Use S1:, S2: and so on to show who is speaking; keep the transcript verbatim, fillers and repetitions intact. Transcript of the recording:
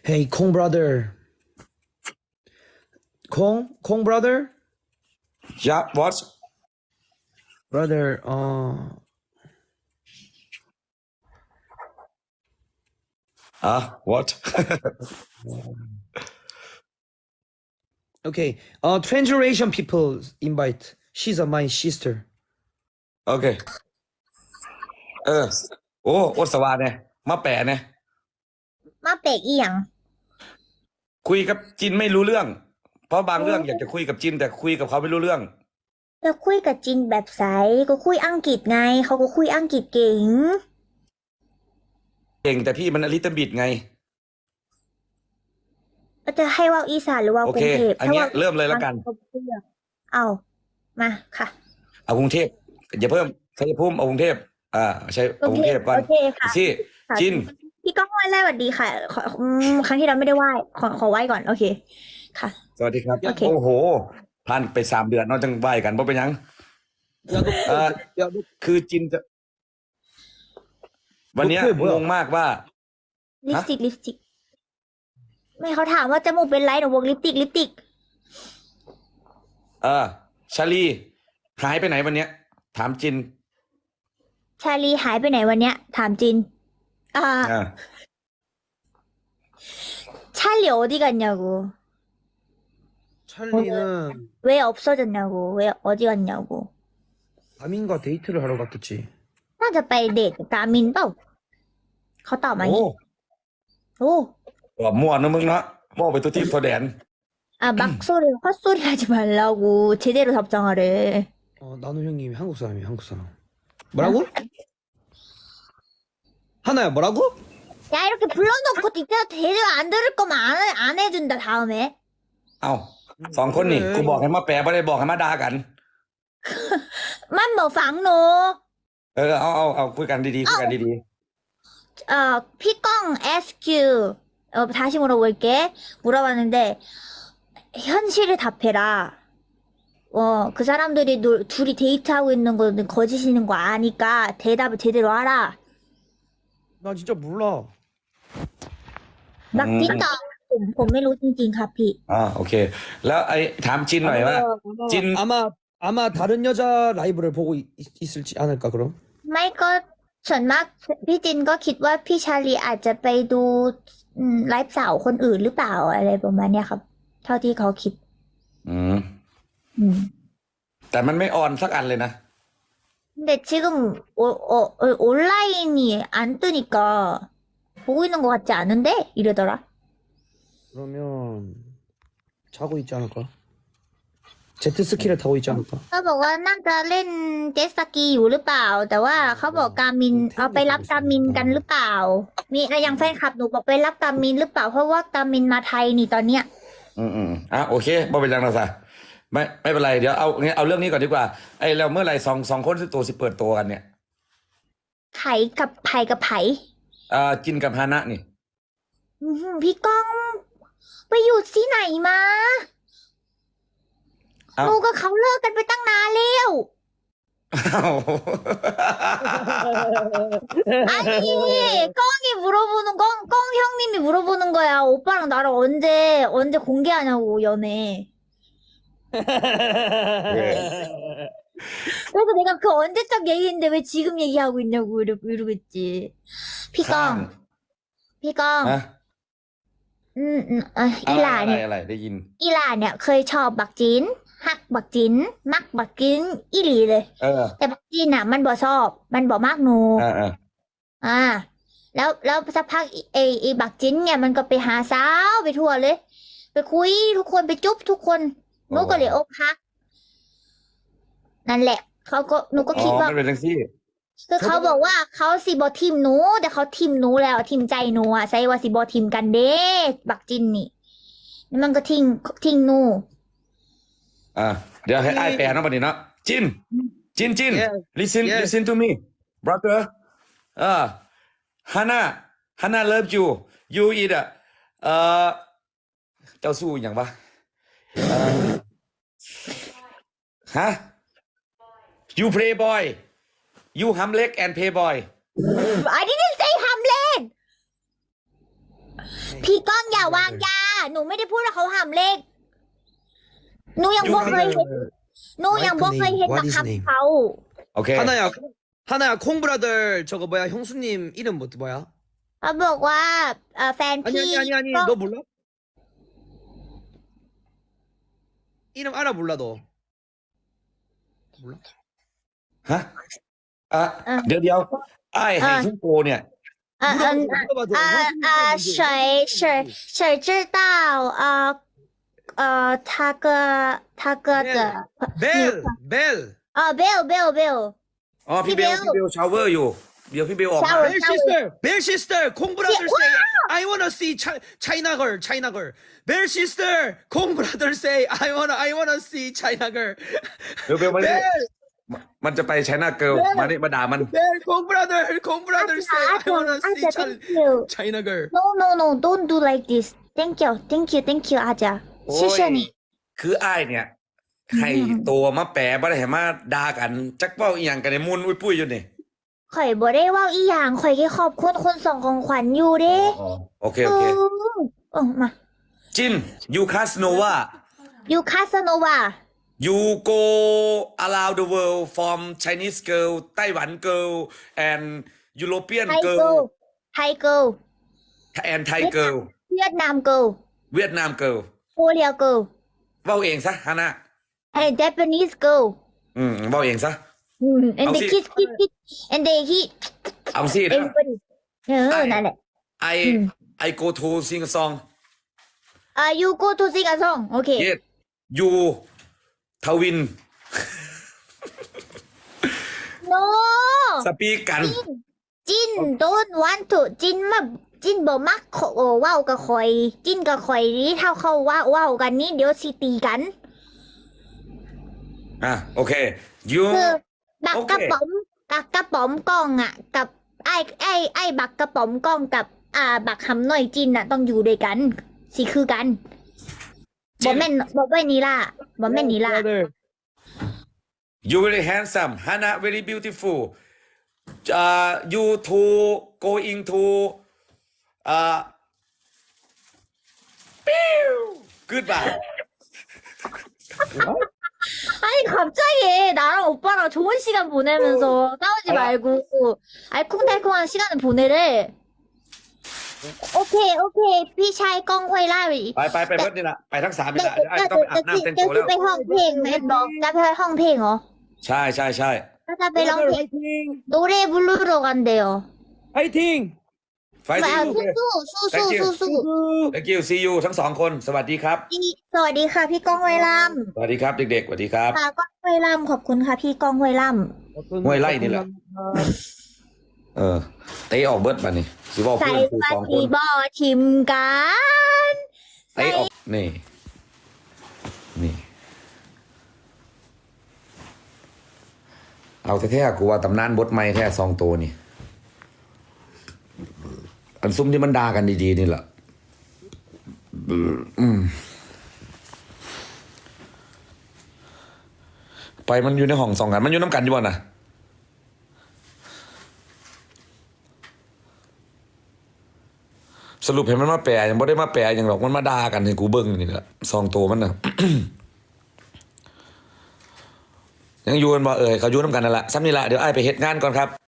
S1: Hey, Kong brother. Kong, Kong brother,
S2: Yeah, what?
S1: brother. Uh,
S2: Ah, what?
S1: okay. Uh, transgeneration people invite. She's a my sister.
S2: โอเค เออ โอ้อดสวาเนี่ยมาแปะเนี่ย
S3: มาเปกอีหยัง
S2: คุยกับจินไม่รู้เรื่อง เพราะบางเรื่องอยากจะคุยกับจิน แต่คุยกับเขาไม่รู้เรื่อง
S3: จะคุยกับจินแบบใสก็คุยอังกฤษไง เขาก็คุยอังกฤษเก่ง
S2: เก่งแต่พี่มันอลิตบิดไง
S3: จะให้ว่าอีสานหรือว่า
S2: โอก
S3: รุ
S2: เค
S3: งเทพ
S2: อันเนี้ยเริ่มเลยแล้วกัน
S3: เอามาค่ะ
S2: เอากรุงเทพอย่าเพิ่มชัยภูมิเอากรุงเทพอ่าใช่เอากรุงเทพก่อน
S3: โอเคค่ะ
S2: สิจิน
S3: พี่ก้องไหว้สวัสดีค่ะขออืมครั้งที่เราไม่ได้ไหว้ขอขอไหว้ก่อนโอเคค่ะ
S2: สวัสดีครับ
S3: โอเค
S2: โอ้โหผ่านไปสามเดือนเนอกจังไหวกันเพราะเป็นหยัง
S1: 야, 너,
S2: 아.
S1: 야, 너
S2: คือจินจะ วันเนี้ย
S1: โอเค
S2: งงมากว่า
S3: ลิปสติกลิปสติกไม่เขาถามว่าจมูกเป็นไรหนูบอกลิปสติกลิปสติก
S2: เออชาลีหายไปไหนวันเนี้ย ถามจิน
S3: ชาลีหายไปไหนวันเนี้ย ถามจิน อ่า
S2: อ่า
S3: 찰리 어디 갔냐고
S1: 찰리는
S3: 왜 없어졌냐고 왜 어디 갔냐고
S1: 가민과 데이트를 하러 갔겠지.
S3: น่าจะไปเดทกับกามินเปล่าเขาตอบมาอย่าง
S2: โอ้
S3: งี้โอ้
S2: ตอบมั่วนะมึงเนาะมั่วไปตัวที่ตัวแดน
S3: 아 막소리 헛소리 하지 말라고 제대로 답장하래
S1: 어, 나는 형님이 한국 사람이야, 한국 사람. 뭐라고? 하나야, 뭐라고?
S3: 야 이렇게 불러놓고 진짜 제대로 안 들을 거면 안, 안 해준다 다음에
S2: เอ้าสองคนนี่กูบอกให้มาแปลไม่ได้บอกให้มาด่ากัน
S3: 만뭐 방노
S2: เออเอาเอาเอาคุยกันดีๆคุยกันดี
S3: 어 피광 에스큐 어 다시 물어볼게 물어봤는데 현실을 답해라 어 그 사람들이 노, 둘이 데이트하고 있는 거는 거짓이는 거 아니까 대답을 제대로 하라
S1: 나 진짜 몰라.
S3: 막 찐다 ผมผมไม่รู้จริงๆครับพี่
S2: ๆอ่าโอเค แล้วไอ้ถามจินหน่อยว่า 찐.
S1: 아마 아마 다른 여자 라이브를 보고 있, 있을지 않을까 그럼?
S3: ไม่ก็ส่วนมากพี่จินก็คิดว่าพี่ชาลีอาจจะไปดูอืมไลฟ์สาวคนอื่นหรือเปล่าอะไรประมาณเนี้ยครับ เท่าที่เขาคิด
S2: อืม
S3: อืม
S2: แต่มันไม่ออนสักอันเลยนะ
S3: 근데 지금 어, 어, 어, 온라인이 안 뜨니까 보고 있는 것 같지 않은데 이러더라.
S1: 그러면 자고 있지 않을까? 제트스키를 타고 있지 않을까?
S3: เขาบอกว่าน่าจะเล่นเจ็ตสกีอยู่หรือเปล่า แต่ว่าเขาบอกกามินเอาไปรับกามินกันหรือเปล่า มีอะไรอย่างแฟนคลับหนูบอกไปรับกามินหรือเปล่าเพราะว่ากามินมาไทยนี่ตอนเนี้ย
S2: อืมอืมอ่ะโอเคบ่เป็นยังนะซะไม่ไม่เป็นไรเดี๋ยวเอางั้นเอาเรื่องนี้ก่อนดีกว่าไอ้เราเมื่อไหร่สองสองคนสิตัวสิเปิดตัวกันเนี่ย
S3: ไผ่กับไผ่กับไผ่
S2: อ่าจินกับฮานะนี่
S3: อื้อหือพี่ก้องไปอยู่ที่ไหนมา
S2: เอ้า
S3: หนูกับเขาเลิกกันไปตั้งนานแล้ว
S2: อ้าว
S3: 아니 꽁이 물어보는 꽁, 꽁 형님이 물어보는 거야 오빠랑 나랑 언제 언제 공개하냐고 연애 그래서 내가 그 언제적 얘기인데 왜 지금 얘기하고 있냐고 이러, 이러겠지 피강 피강
S2: ฮะ
S3: 음, 음, 아,
S2: อะไร
S3: 이라
S2: อะไร
S3: เนี่ย
S2: อะไรได้ยิน
S3: อีหลาเนี่ยเคยชอบบักจินฮักบักจินมักบักจินอีหลีเลย
S2: เออ
S3: แต่บักจินอ่ะ มันบ่ชอบ มันบ่มากหนู
S2: อ่าอ่า
S3: อ่า แล้วแล้วสักพักไอ้ไอ้บักจินเนี่ยมันก็ไปหาสาวไปทั่วเลย ไปคุยทุกคนไปจุ๊บทุกคนหนูก็เลยอกหัก นั่นแหละ เขาก็หนูก็
S2: อ๋
S3: คิด
S2: อ
S3: ว่า
S2: มันเป็นจังซี่
S3: คือเขาบอกว่าเขาสิบอทิมหนู แต่เขาทิมหนูแล้วทิมใจหนูอ่ะใส่ว่าสิบอทิมกันเด้บักจินนี่แล้วมันก็ทิ้งทิ้งหนู
S2: อ่าเดี๋ยวให้ไอ้ายแปลเนาะบัดนี้เนาะจินจินจิน
S1: Yes.
S2: listen
S1: Yes.
S2: listen to me brother อ่าฮานะฮานะ love you you eat อ่ะเอ่อเจ้าสู้อหย่างปะเอ่อฮะ you play boy you หำเล็ก and play boy
S3: I didn't say Hamlet พี่ก้องอย่าวางยา หนูไม่ได้พูดว่าเขาห้ามเลขหนูยังบอกเคยเห็นหนูยังบอกเคยเห็นนะคำเขา
S2: โอเค
S1: 하나야 하나야 콩브라들 저거 뭐야 형수님 이름 뭐 뭐야?
S3: เขาบอกว่าเอ่อแฟน
S1: 아니
S3: พี่
S1: 아니 아니 아니
S3: ก็
S1: 너 몰라? 이름 알아 몰라 너? 몰라?
S2: ฮะอ่ะเดี๋ยวเดี๋ยวไอ้ให้ทุกโกเนี่ย
S3: เอ่อเอ่อ
S1: 물어봐줘.
S3: เอ่อเอ่อ谁谁谁知道呃呃他哥他哥的
S1: 벨 벨
S3: เออ Bill Bill Bill
S2: อ๋อพี่เบล
S3: พี่
S2: พี่
S3: เบล
S2: เบลชาวเวอร์อยู่ เดี๋ยวพี่เบลออกมา
S3: shower
S1: 벨 시스터 벨 시스터 콩브라들
S3: 와!
S1: say I wanna see Chi- China girl China girl 벨 시스터 콩브라들 say I wanna I wanna see China girl
S2: เบลเบลมา
S1: 벨
S2: ดิมันจะไปไชน่าเกิลมาดิมาด่ามัน
S1: 벨 콩브라들 콩브라들 say I wanna see
S3: 아자
S1: Chi-
S3: thank you
S1: China girl
S3: no no no don't do like this thank you thank you thank you อาจารย์
S2: โอ้ย
S3: ชื่อเชนี่
S2: คือไอ้ายเนี่ยให้ตัวมาแปะบ่ได้ให้มาด่ากัน จักเว้าอีหยังกันในมุนอุ้ยปุ้ยอยู่นี่
S3: ข่อยบ่ได้เว่าอีหยังข่อยแค่ขอบคุณคนส่งของขวัญอยู่เด้
S2: โอเคโอเค
S3: เออมา
S2: จินยูคาสโนวา
S3: ยูคาสโนวา
S2: you go around the world from Chinese girl ไต้หวัน girl and European
S3: ไทยเกิล
S2: girl
S3: ไทยเกิล
S2: and Thai girl
S3: เวียดนามเกิล
S2: เวียดนาม girl
S3: โคเรียเกิล
S2: เว้าเองซะฮานะ
S3: ไอ้ Japanese girl
S2: อืมเว้าเองซะ
S3: อืม and
S2: เอา
S3: they
S2: สิ
S3: kiss kiss kiss and they he
S2: เอาสินะ
S3: everybody เออนั่นแหละ
S2: I I go to sing a song
S3: อ่า you go to sing a song โอเค
S2: yes you ทวิน
S3: no
S2: สปีกกัน
S3: จิน don't want to จินมาจินบ่มักขอเว้ากับข่อย จินกับข่อยนี่เท่าเขาเว้าเว้ากันนี่เดี๋ยวสิตีกัน
S2: อ่ะโอเค you
S3: คือบัก
S2: โอเค
S3: กระป๋อมบักกระป๋อมกล้องอ่ะ กับไอ้ไอ้ไอ้บักกระป๋อมกล้องกับ อ่า บักหำหน่อยจินอ่ะ ต้องอยู่ด้วยกัน สิคือกันบ่แม่นบ่แม่นนี่ล่ะบ่แม่นนี่ล่ะ
S1: brother
S2: you very handsome Hana very beautiful uh you two going to uh goodbye
S3: 아니 갑자기 나랑 오빠랑 좋은 시간 보내면서 싸우지
S2: 아.
S3: 말고 알콩달콩한 시간을 보내래. 오케이 오케이 พี่ชายกล้องห้วยไร่
S2: ไปไปไปเบิดนี่ละไปทั้งสามนี่
S3: เดี๋ยว
S2: ละไอ้
S3: เดี๋ยว
S2: ต้องไปอาบ
S3: เดี๋ยว
S2: น้ำเต็ม
S3: เดี๋ยว
S2: ตัวแล้ว
S3: ไปห้องเพลงแม่บอกจะไปห้องเพลงเหรอ
S2: ใช่ใช่ใช่
S3: ถ้าจะไปร้องเพลง
S1: 화이팅
S3: 노래 부르러 간대요.
S1: 화이팅
S2: ไฟที่
S3: 아,
S2: ยู
S3: สู้สู้สู้สู้สู้
S2: thank you see you ทั้งสองคนสวัสดีครับ
S3: สวัสดีค่ะพี่ก้องห้วยล่
S2: สวัสดีครับเด็กๆสวัสดีครับ
S3: ำค่ะก้องห้วยล่ำขอบคุณค่ะพี่ก้องห้วยล่
S2: ห้วยไร่นี่แหละ เออเตะออกเบิดมานี่สิบอก
S3: ำใส่
S2: เพื่อนคือ
S3: ปา
S2: สองค
S3: สี
S2: น
S3: บอชิมกัน
S2: เตะออกนี่นี่เอาแท้ๆกูว่าตำนานบทไม่แท้สองตัวนี่อันซุ่มที่มันด่ากันดีๆนี่แหละอืมไปมันอยู่ในห้องสองกันมันอยู่น้ำกันอยู่บ่น่ะสรุปเห็นมันมาแปลยังไม่ได้มาแปลอย่างหรอกมันมาด่ากันให้กูเบิ้งนี่แหละสองตัวมันน่ะ ยังอยู่กันบ่เอ่ยเขาอยู่น้ำกันนั่นแหละซ้ำนี่แหละเดี๋ยวไอ้ายไปเฮ็ดงานก่อนครับ